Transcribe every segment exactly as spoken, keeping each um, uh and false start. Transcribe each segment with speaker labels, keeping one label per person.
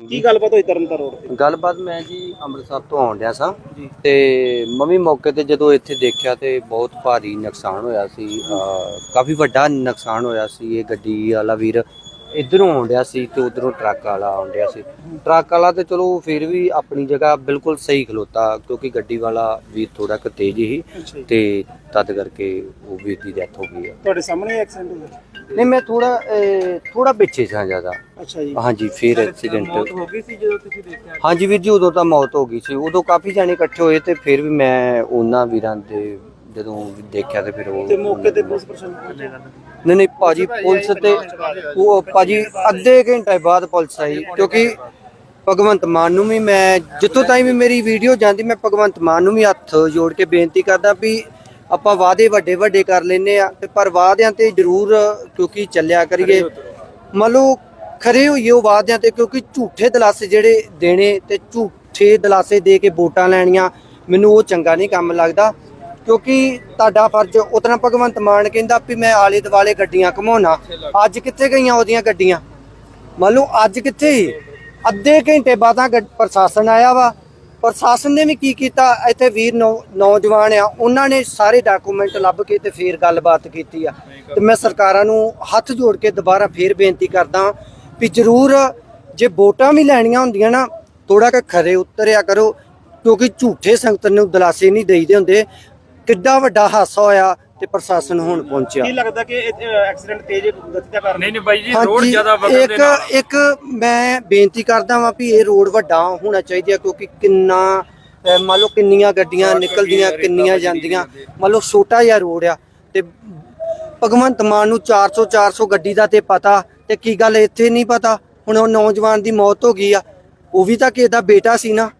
Speaker 1: ਕੀ ਗੱਲਬਾਤ ਹੋਈ ਤਰਨਤਾਰਨ ਰੋਡ ਤੇ?
Speaker 2: ਗੱਲਬਾਤ ਮੈਂ ਜੀ ਅੰਮ੍ਰਿਤਸਰ ਤੋਂ ਆਉਣ ਡਿਆ ਸਾਂ ਤੇ ਮੰਮੀ ਮੌਕੇ ਤੇ ਜਦੋਂ ਇੱਥੇ ਦੇਖਿਆ ਤੇ ਬਹੁਤ ਭਾਰੀ ਨੁਕਸਾਨ ਹੋਇਆ ਸੀ। ਕਾਫੀ ਵੱਡਾ ਨੁਕਸਾਨ ਹੋਇਆ ਸੀ। ਇਹ ਗੱਡੀ ਵਾਲਾ ਵੀਰ ਇੱਧਰੋਂ ਆਉਣ ਡਿਆ ਸੀ ਤੇ ਉਧਰੋਂ ਟਰੱਕ ਵਾਲਾ ਆਉਣ ਡਿਆ ਸੀ। ਟਰੱਕ ਵਾਲਾ ਤੇ ਚਲੋ ਫਿਰ ਵੀ ਆਪਣੀ ਜਗ੍ਹਾ ਬਿਲਕੁਲ ਸਹੀ ਖਲੋਤਾ, ਕਿਉਂਕਿ ਗੱਡੀ ਵਾਲਾ ਵੀਰ ਥੋੜਾ ਕੁ ਤੇਜ਼ ਹੀ ਤੇ ਤਦ ਕਰਕੇ ਉਹ ਵੀਰ ਦੀ ਡੈਥ ਹੋ ਗਈ।
Speaker 1: ਤੁਹਾਡੇ ਸਾਹਮਣੇ ਐਕਸੀਡੈਂਟ ਹੋਇਆ?
Speaker 2: ਨਹੀਂ, ਮੈਂ ਥੋੜਾ ਥੋੜਾ ਪਿੱਛੇ ਸਾਂ ਜ਼ਿਆਦਾ।
Speaker 1: ਅੱਛਾ ਜੀ।
Speaker 2: ਹਾਂਜੀ, ਫਿਰ ਐਕਸੀਡੈਂਟ
Speaker 1: ਹੋ ਗਈ ਸੀ ਜਦੋਂ ਤੁਸੀਂ ਦੇਖਿਆ?
Speaker 2: ਹਾਂਜੀ ਵੀਰ ਜੀ, ਉਦੋਂ ਤਾਂ ਮੌਤ ਹੋ ਗਈ ਸੀ। ਉਦੋਂ ਕਾਫੀ ਜਾਣੇ ਇਕੱਠੇ ਹੋਏ ਤੇ ਫਿਰ ਵੀ ਮੈਂ ਉਹਨਾਂ ਵੀਰਾਂ ਦੇ ਜਦੋਂ ਦੇਖਿਆ ਤੇ ਫਿਰ ਉਹ
Speaker 1: ਤੇ ਮੌਕੇ ਤੇ ਪੁਲਿਸ ਪ੍ਰਸ਼ਾਸਨ ਪਹੁੰਚੇਗਾ?
Speaker 2: ਨਹੀਂ ਨਹੀਂ ਭਾਜੀ, ਪੁਲਿਸ ਤੇ ਉਹ ਭਾਜੀ ਅੱਧੇ ਘੰਟੇ ਬਾਅਦ ਪੁਲਿਸ ਆਈ, ਕਿਉਂਕਿ ਭਗਵੰਤ ਮਾਨ ਨੂੰ ਵੀ ਮੈਂ ਜਿੱਥੋਂ ਤਾਈਂ ਵੀ ਮੇਰੀ ਵੀਡੀਓ ਜਾਂਦੀ, ਮੈਂ ਭਗਵੰਤ ਮਾਨ ਨੂੰ ਵੀ ਹੱਥ ਜੋੜ ਕੇ ਬੇਨਤੀ ਕਰਦਾ ਵੀ ਆਪਾਂ ਵਾਅਦੇ ਵੱਡੇ ਵੱਡੇ ਕਰ ਲੈਨੇ ਆ, ਪਰ ਵਾਅਦਿਆਂ ਤੇ ਜ਼ਰੂਰ ਕਿਉਂਕਿ ਚੱਲਿਆ ਕਰੀਏ, ਮੰਨ ਲਓ ਖਰੇ ਹੋਈਏ ਉਹ ਵਾਅਦਿਆਂ ਤੇ, ਕਿਉਂਕਿ ਝੂਠੇ ਦਲਾਸੇ ਜਿਹੜੇ ਦੇਣੇ ਤੇ ਝੂਠੇ ਦਲਾਸੇ ਦੇ ਕੇ ਵੋਟਾਂ ਲੈਣੀਆਂ, ਮੈਨੂੰ ਉਹ ਚੰਗਾ ਨਹੀਂ ਕੰਮ ਲੱਗਦਾ। ਕਿਉਂਕਿ ਤੁਹਾਡਾ ਫਰਜ਼ ਉਤਨਾ ਭਗਵੰਤ ਮਾਨ ਕਹਿੰਦਾ ਵੀ ਮੈਂ ਆਲੇ ਦੁਆਲੇ ਗੱਡੀਆਂ ਘਮਾਉਣਾ, ਅੱਜ ਕਿੱਥੇ ਗਈਆਂ ਉਹਦੀਆਂ ਗੱਡੀਆਂ? ਮੰਨ ਲਓ ਅੱਜ ਕਿੱਥੇ ਹੀ ਅੱਧੇ ਘੰਟੇ ਬਾਅਦ ਪ੍ਰਸ਼ਾਸਨ ਆਇਆ ਵਾ। ਪ੍ਰਸ਼ਾਸਨ ਨੇ ਵੀ ਕੀ ਕੀਤਾ, ਇੱਥੇ ਵੀਰ ਨੌਜਵਾਨ ਆ, ਉਹਨਾਂ ਨੇ ਸਾਰੇ ਡਾਕੂਮੈਂਟ ਲੱਭ ਕੇ ਤੇ ਫੇਰ ਗੱਲਬਾਤ ਕੀਤੀ ਆ। ਤੇ ਮੈਂ ਸਰਕਾਰਾਂ ਨੂੰ ਹੱਥ ਜੋੜ ਕੇ ਦੁਬਾਰਾ ਫੇਰ ਬੇਨਤੀ ਕਰਦਾ ਵੀ ਜ਼ਰੂਰ ਜੇ ਵੋਟਾਂ ਵੀ ਲੈਣੀਆਂ ਹੁੰਦੀਆਂ ਨਾ, ਥੋੜਾ ਕੁ ਖਰੇ ਉਤਰਿਆ ਕਰੋ, ਕਿਉਂਕਿ ਝੂਠੇ ਸੰਗਤ ਨੂੰ ਦਲਾਸੇ ਨਹੀਂ ਦੇਈਦੇ ਹੁੰਦੇ। ਕਿੱਡਾ ਵੱਡਾ ਹਾਦਸਾ ਹੋਇਆ ਤੇ ਪ੍ਰਸ਼ਾਸਨ ਹੁਣ ਪਹੁੰਚਿਆ।
Speaker 1: ਕੀ ਲੱਗਦਾ ਕਿ ਐਕਸੀਡੈਂਟ ਤੇਜ਼ ਗਤੀ ਦਾ ਕਾਰਨ?
Speaker 3: ਨਹੀਂ ਨਹੀਂ ਬਾਈ ਜੀ, ਰੋਡ ਜ਼ਿਆਦਾ ਵਗਣ ਦੇ
Speaker 2: ਨਾਲ ਇੱਕ ਇੱਕ ਮੈਂ ਬੇਨਤੀ ਕਰਦਾ ਵਾਂ ਵੀ ਇਹ ਰੋਡ ਵੱਡਾ ਹੋਣਾ ਚਾਹੀਦਾ, ਕਿਉਂਕਿ ਕਿੰਨਾ ਮੰਨ ਲਓ ਕਿੰਨੀਆਂ ਗੱਡੀਆਂ ਨਿਕਲਦੀਆਂ, ਕਿੰਨੀਆਂ ਜਾਂਦੀਆਂ, ਮੰਨ ਲਓ ਛੋਟਾ ਜਿਹਾ ਰੋਡ ਆ ਤੇ ਭਗਵੰਤ ਮਾਨ ਨੂੰ ਚਾਰ ਸੌ ਚਾਰ ਸੌ ਗੱਡੀ ਦਾ ਤੇ ਪਤਾ, ਤੇ ਕੀ ਗੱਲ ਇੱਥੇ ਨਹੀਂ ਪਤਾ? ਹੁਣ ਉਹ ਨੌਜਵਾਨ ਦੀ ਮੌਤ ਹੋ ਗਈ ਆ, ਉਹ ਵੀ ਤਾਂ ਕਿਸੇ ਦਾ ਬੇਟਾ ਸੀ ਨਾ।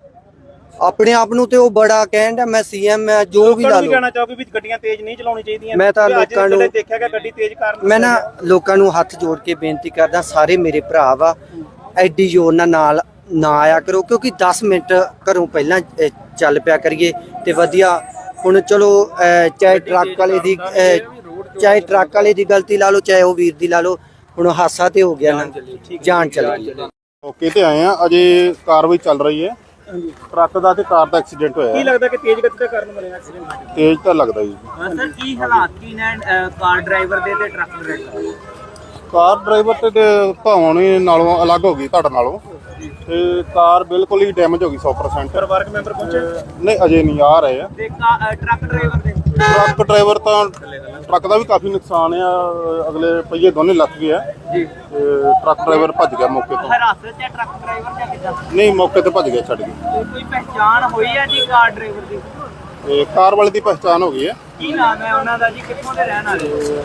Speaker 2: ਆਪਣੇ ਆਪ ਨੂੰ ਤੇ ਉਹ ਬੜਾ ਕਹਿਣ ਦਾ ਮੈਂ ਸੀਐਮ ਮੈਂ ਜੋ ਵੀ ਲਾ ਲਓ,
Speaker 1: ਕਹਿਣਾ ਚਾਹੋਗੇ ਵੀ ਗੱਡੀਆਂ ਤੇਜ਼ ਨਹੀਂ ਚਲਾਉਣੀ ਚਾਹੀਦੀਆਂ।
Speaker 2: ਮੈਂ ਤਾਂ ਲੋਕਾਂ ਨੂੰ
Speaker 1: ਦੇਖਿਆ ਗਿਆ ਗੱਡੀ ਤੇਜ਼ ਕਾਰਨ,
Speaker 2: ਮੈਂ ਨਾ ਲੋਕਾਂ ਨੂੰ ਹੱਥ ਜੋੜ ਕੇ ਬੇਨਤੀ ਕਰਦਾ, ਸਾਰੇ ਮੇਰੇ ਭਰਾ ਵਾ, ਐਡੀ ਜ਼ੋਰ ਨਾਲ ਨਾਲ ਨਾ ਆਇਆ ਕਰੋ, ਕਿਉਂਕਿ ਦਸ ਮਿੰਟ ਘਰੋਂ ਪਹਿਲਾਂ ਚੱਲ ਪਿਆ ਕਰੀਏ ਤੇ ਵਧੀਆ। ਹੁਣ ਚਲੋ ਚਾਹੇ ਟਰੱਕ ਵਾਲੇ ਦੀ ਚਾਹੇ ਟਰੱਕ ਵਾਲੇ ਦੀ ਗਲਤੀ ਲਾ ਲਓ, ਚਾਹੇ ਉਹ ਵੀਰ ਦੀ ਲਾ ਲਓ, ਹੁਣ ਹਾਦਸਾ ਤੇ ਹੋ ਗਿਆ ਨਾ, ਜਾਨ ਚਲ ਗਈ।
Speaker 4: ਮੌਕੇ ਤੇ ਆਏ ਆ, ਅਜੇ ਕਾਰਵਾਈ ਚੱਲ ਰਹੀ ਹੈ। ਟਰੱਕ ਦਾ ਤੇ ਕਾਰ ਦਾ ਐਕਸੀਡੈਂਟ ਹੋਇਆ।
Speaker 1: ਕੀ ਲੱਗਦਾ ਕਿ ਤੇਜ਼ ਗਤੀ ਦਾ ਕਾਰਨ ਬਣਿਆ ਐਕਸੀਡੈਂਟ?
Speaker 4: ਤੇਜ਼ ਤਾਂ ਲੱਗਦਾ ਜੀ।
Speaker 3: ਸਰ ਕੀ ਹਾਲਾਤ ਕੀ ਨੇ ਕਾਰ ਡਰਾਈਵਰ ਦੇ ਤੇ ਟਰੱਕ ਡਰਾਈਵਰ ਦੇ?
Speaker 4: ਕਾਰ ਡਰਾਈਵਰ ਤੇ ਭਾਵਣੇ ਨਾਲੋਂ ਅਲੱਗ ਹੋ ਗਈ ਤੁਹਾਡੇ ਨਾਲੋਂ, ਤੇ ਕਾਰ ਬਿਲਕੁਲ ਹੀ ਡੈਮੇਜ ਹੋ ਗਈ ਸੌ ਪਰਸੈਂਟ।
Speaker 1: ਪਰਿਵਾਰਕ ਮੈਂਬਰ ਪਹੁੰਚੇ?
Speaker 4: ਨਹੀਂ, ਅਜੇ ਨਹੀਂ ਆ ਰਹੇ ਆ।
Speaker 3: ਤੇ ਟਰੱਕ ਡਰਾਈਵਰ ਦੇ?
Speaker 4: ਟਰੱਕ ਡਰਾਈਵਰ ਤਾਂ ਟਰੱਕ ਦਾ ਵੀ ਕਾਫੀ ਨੁਕਸਾਨ ਆ, ਅਗਲੇ ਪਹੀਏ ਦੋਨੇ ਲੱਥ ਗਏ ਆ ਜੀ। ਟਰੱਕ ਡਰਾਈਵਰ ਭੱਜ ਗਿਆ ਮੌਕੇ ਤੋਂ।
Speaker 3: ਹਾਦਸੇ 'ਚ ਟਰੱਕ ਡਰਾਈਵਰ ਜਾਂ ਕਿੱਦਾਂ?
Speaker 4: ਨਹੀਂ, ਮੌਕੇ ਤੇ ਭੱਜ ਗਿਆ, ਛੱਡ ਗਏ।
Speaker 3: ਕੋਈ ਪਹਿਚਾਣ ਹੋਈ ਹੈ ਜੀ ਕਾਰ ਡਰਾਈਵਰ ਦੀ?
Speaker 4: ਤੇ ਕਾਰ ਵਾਲੇ ਦੀ ਪਛਾਣ ਹੋ ਗਈ ਹੈ।
Speaker 3: ਕੀ ਨਾਮ ਹੈ ਉਹਨਾਂ ਦਾ ਜੀ, ਕਿੱਥੋਂ ਦੇ ਰਹਿਣ ਵਾਲੇ?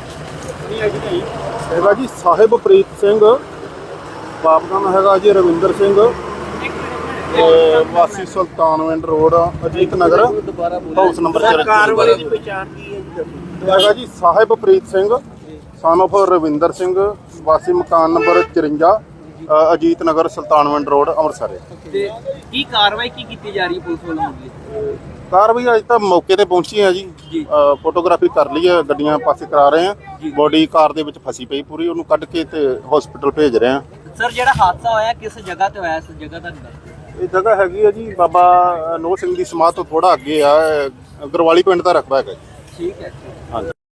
Speaker 4: ਹੈਗਾ ਜੀ ਸਾਹਿਬਪ੍ਰੀਤ ਸਿੰਘ, ਬਾਪ ਦਾ ਨਾਮ ਹੈਗਾ ਜੀ ਰਵਿੰਦਰ ਸਿੰਘ, ਵਾਸੀ Sultanwind road, Ajit Nagar, house number ਚਾਰ।
Speaker 1: ਕਾਰ ਵਾਲੇ ਦੀ ਪਛਾਣ ਕੀ ਹੈ ਜੀ?
Speaker 4: ਹੈਗਾ ਜੀ ਸਾਹਿਬਪ੍ਰੀਤ ਸਿੰਘ, ਸਨ ਆਫ ਰਵਿੰਦਰ ਸਿੰਘ, ਵਾਸੀ ਮਕਾਨ ਨੰਬਰ ਚੁਰੰਜਾ, ਅਜੀਤ ਨਗਰ, ਸੁਲਤਾਨਵਿੰਡ ਰੋਡ, ਅੰਮ੍ਰਿਤਸਰ।
Speaker 3: ਤੇ ਕੀ ਕਾਰਵਾਈ ਕੀ ਕੀਤੀ ਜਾ ਰਹੀ ਹੈ ਪੁਲਿਸ ਵੱਲੋਂ?
Speaker 4: ਕਾਰਵਾਈ ਅੱਜ ਤਾਂ ਮੌਕੇ ਤੇ ਪਹੁੰਚੀ ਹੈ ਜੀ, ਫੋਟੋਗ੍ਰਾਫੀ ਕਰ ਲਈ ਹੈ, ਗੱਡੀਆਂ ਪਾਸੇ ਕਰਾ ਰਹੇ ਆ, ਬੋਡੀ ਕਾਰ ਦੇ ਵਿੱਚ ਫਸੀ ਪਈ ਪੂਰੀ, ਉਹਨੂੰ ਕੱਢ ਕੇ ਤੇ ਹਸਪੀਟਲ ਭੇਜ ਰਹੇ ਆ।
Speaker 3: ਸਰ ਜਿਹੜਾ ਹਾਦਸਾ ਹੋਇਆ ਕਿਸ ਜਗ੍ਹਾ ਤੇ ਹੋਇਆ? ਇਸ ਜਗ੍ਹਾ ਦਾ
Speaker 4: ਇਹ ਜਗ੍ਹਾ ਹੈਗੀ ਹੈ ਜੀ ਬਾਬਾ ਨੋਹ ਸਿੰਘ ਦੀ ਸਮਾਧ ਤੋਂ ਥੋੜਾ ਅੱਗੇ ਆ, ਗਰਵਾਲੀ ਪਿੰਡ ਦਾ ਰਕਬਾ ਹੈਗਾ।
Speaker 3: ਠੀਕ ਹੈ।